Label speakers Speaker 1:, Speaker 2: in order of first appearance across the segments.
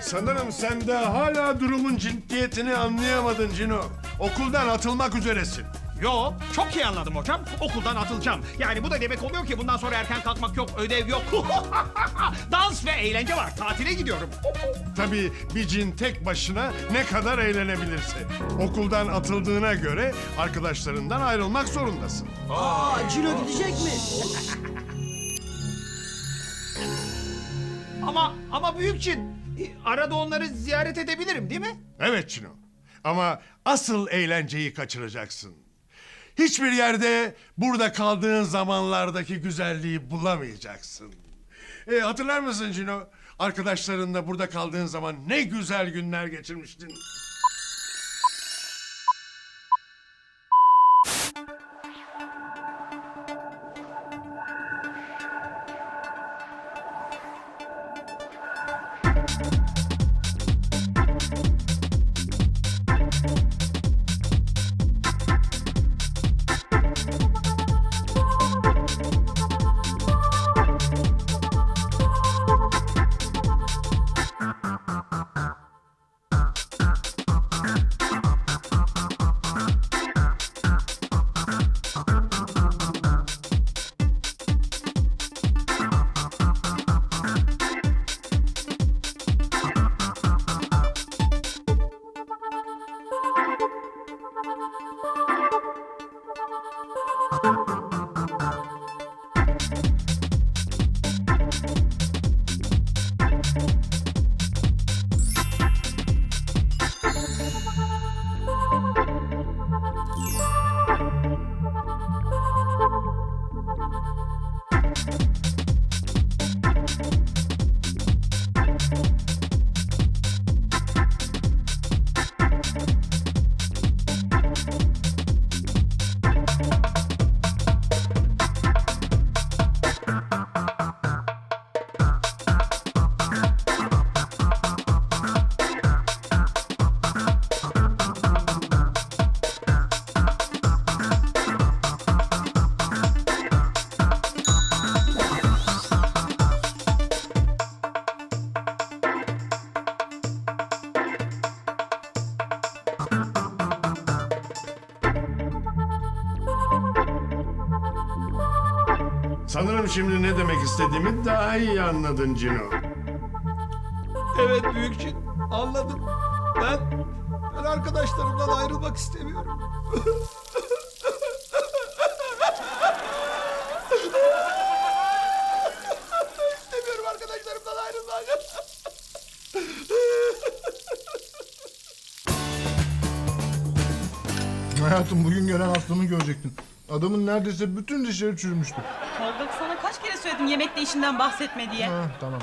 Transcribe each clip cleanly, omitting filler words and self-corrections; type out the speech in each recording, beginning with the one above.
Speaker 1: Sanırım sen de hala durumun ciddiyetini anlayamadın Cino. Okuldan atılmak üzeresin.
Speaker 2: Yo, çok iyi anladım hocam. Okuldan atılacağım. Yani bu da demek oluyor ki bundan sonra erken kalkmak yok, ödev yok. Dans ve eğlence var. Tatile gidiyorum.
Speaker 1: Tabii bir cin tek başına ne kadar eğlenebilirse. Okuldan atıldığına göre arkadaşlarından ayrılmak zorundasın.
Speaker 3: Cino gidecek mi?
Speaker 2: Ama büyük cin. Arada onları ziyaret edebilirim değil mi?
Speaker 1: Evet Cino. Ama asıl eğlenceyi kaçıracaksın. Hiçbir yerde burada kaldığın zamanlardaki güzelliği bulamayacaksın. Hatırlar mısın Cino? Arkadaşlarınla burada kaldığın zaman ne güzel günler geçirmiştin. Sanırım şimdi ne demek istediğimi daha iyi anladın Cino.
Speaker 2: Evet büyük cin. Anladım. Ben arkadaşlarımdan ayrılmak istemiyorum. İstemiyorum arkadaşlarımdan ayrılmak.
Speaker 4: Hayatım bugün gelen hastamı görecektin. Adamın neredeyse bütün dişleri çürümüştü.
Speaker 5: Tolga sana kaç kere söyledim yemekte işinden bahsetme diye.
Speaker 4: Ha, tamam.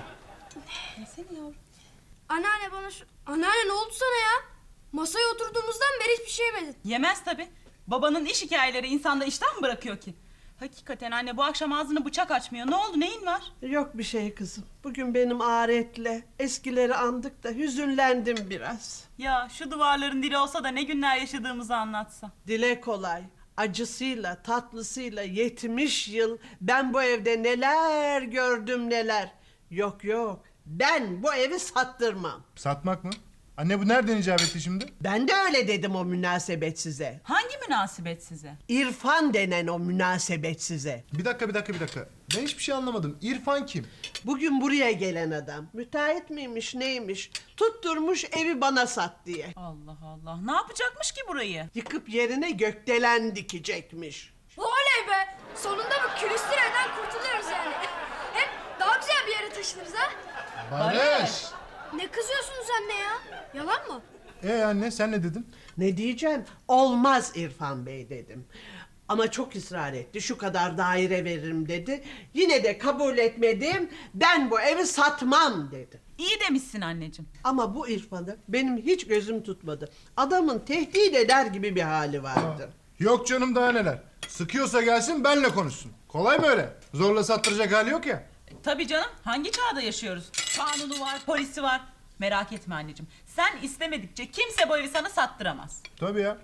Speaker 5: Seni yavrum.
Speaker 6: Anneanne bana şu... Anneanne ne oldu sana ya? Masaya oturduğumuzdan beri hiçbir şey yemedin.
Speaker 5: Yemez tabi. Babanın iş hikayeleri insanda iştah mı bırakıyor ki? Hakikaten anne bu akşam ağzını bıçak açmıyor. Ne oldu, neyin var?
Speaker 3: Yok bir şey kızım. Bugün benim aretle eskileri andık da hüzünlendim biraz.
Speaker 5: Ya şu duvarların dili olsa da ne günler yaşadığımızı anlatsa.
Speaker 3: Dile kolay. Acısıyla, tatlısıyla 70 yıl ben bu evde neler gördüm neler. Yok yok. Ben bu evi sattırmam.
Speaker 4: Satmak mı? Anne bu nereden icap etti şimdi?
Speaker 3: Ben de öyle dedim o münasebet size.
Speaker 5: Hangi münasebet size?
Speaker 3: İrfan denen o münasebet size.
Speaker 4: Bir dakika. Ben hiçbir şey anlamadım. İrfan kim?
Speaker 3: Bugün buraya gelen adam. Müteahhit miymiş neymiş? Tutturmuş evi bana sat diye.
Speaker 5: Allah Allah. Ne yapacakmış ki burayı?
Speaker 3: Yıkıp yerine gökdelen dikecekmiş.
Speaker 6: Oley be! Sonunda bu külüstüreden kurtuluyoruz yani. Hem daha güzel bir yere taşınırız ha.
Speaker 4: Barış!
Speaker 6: Ne kızıyorsunuz anne ya? Yalan mı?
Speaker 4: Anne sen ne dedin?
Speaker 3: Ne diyeceğim? Olmaz İrfan Bey dedim. Ama çok ısrar etti. Şu kadar daire veririm dedi. Yine de kabul etmedim. Ben bu evi satmam dedi.
Speaker 5: İyi demişsin anneciğim.
Speaker 3: Ama bu İrfan'ı benim hiç gözüm tutmadı. Adamın tehdit eder gibi bir hali vardı.
Speaker 4: Yok canım daha neler. Sıkıyorsa gelsin benle konuşsun. Kolay mı öyle? Zorla sattıracak hali yok ya.
Speaker 5: Tabii canım. Hangi çağda yaşıyoruz? Kanunu var, polisi var. Merak etme anneciğim. Sen istemedikçe kimse bu evi sana sattıramaz.
Speaker 4: Tabii ya.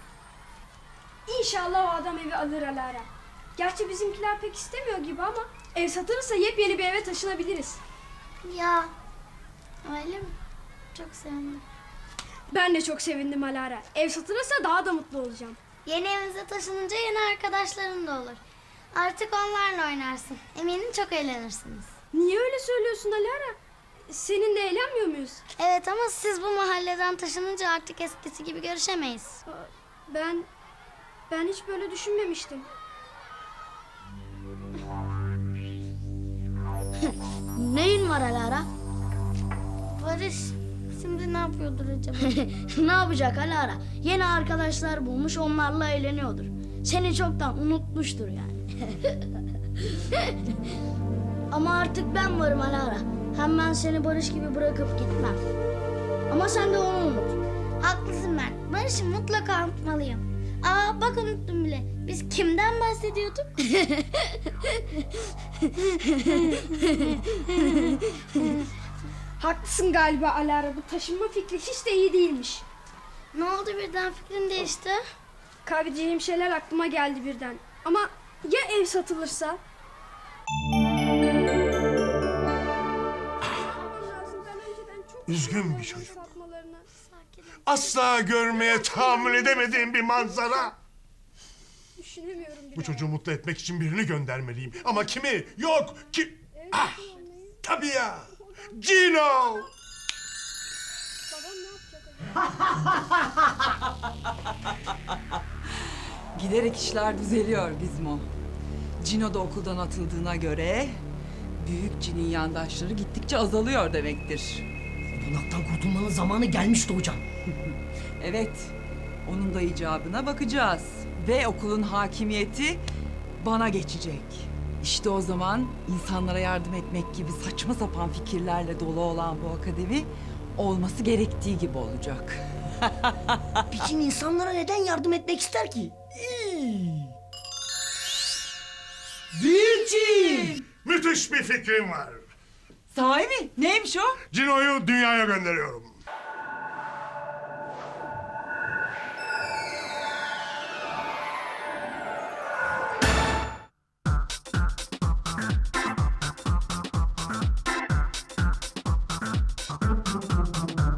Speaker 6: İnşallah o adam evi alır Alara. Gerçi bizimkiler pek istemiyor gibi ama Ev satılırsa yepyeni bir eve taşınabiliriz.
Speaker 7: Ya öyle mi? Çok sevindim.
Speaker 6: Ben de çok sevindim Alara. Ev satılırsa daha da mutlu olacağım.
Speaker 7: Yeni evinize taşınınca yeni arkadaşların da olur. Artık onlarla oynarsın. Eminim çok eğlenirsiniz.
Speaker 6: Niye öyle söylüyorsun Alara? Seninle eğlenmiyor muyuz?
Speaker 7: Evet ama siz bu mahalleden taşınınca artık eskisi gibi görüşemeyiz.
Speaker 6: Ben hiç böyle düşünmemiştim.
Speaker 7: Neyin var Alara? Barış şimdi ne yapıyordur acaba? Ne yapacak Alara? Yeni arkadaşlar bulmuş, onlarla eğleniyordur. Seni çoktan unutmuştur yani. Ama artık ben varım Alara. Hem ben seni Barış gibi bırakıp gitmem. Ama sen de onu unut. Haklısın ben. Barış'ı mutlaka unutmalıyım. Aa bak unuttum bile. Biz kimden bahsediyorduk?
Speaker 6: Haklısın galiba Alara. Bu taşınma fikri hiç de iyi değilmiş.
Speaker 7: Ne oldu birden fikrin değişti?
Speaker 6: Kaybedeceğim şeyler aklıma geldi birden. Ama ya ev satılırsa?
Speaker 1: Üzgün bir çocuk. Asla görmeye tahammül edemediğim bir manzara.
Speaker 6: Düşünemiyorum bile.
Speaker 1: Bu çocuğu mutlu etmek için birini göndermeliyim. Ama kimi? Yok. Kim? Ah, tabii ya. Cino.
Speaker 6: Babam ne yapacak?
Speaker 8: Giderek işler düzeliyor Gizmo. Cino da okuldan atıldığına göre büyük cinin yandaşları gittikçe azalıyor demektir.
Speaker 9: Bunaktan kurtulmanın zamanı gelmişti hocam.
Speaker 8: Evet, onun da icabına bakacağız. Ve okulun hakimiyeti bana geçecek. İşte o zaman insanlara yardım etmek gibi saçma sapan fikirlerle dolu olan bu akademi olması gerektiği gibi olacak.
Speaker 9: Piçin insanlara neden yardım etmek ister ki?
Speaker 8: Büyük cin!
Speaker 1: Müthiş bir fikrim var.
Speaker 8: Sahi mi? Neymiş o?
Speaker 1: Cino'yu dünyaya gönderiyorum.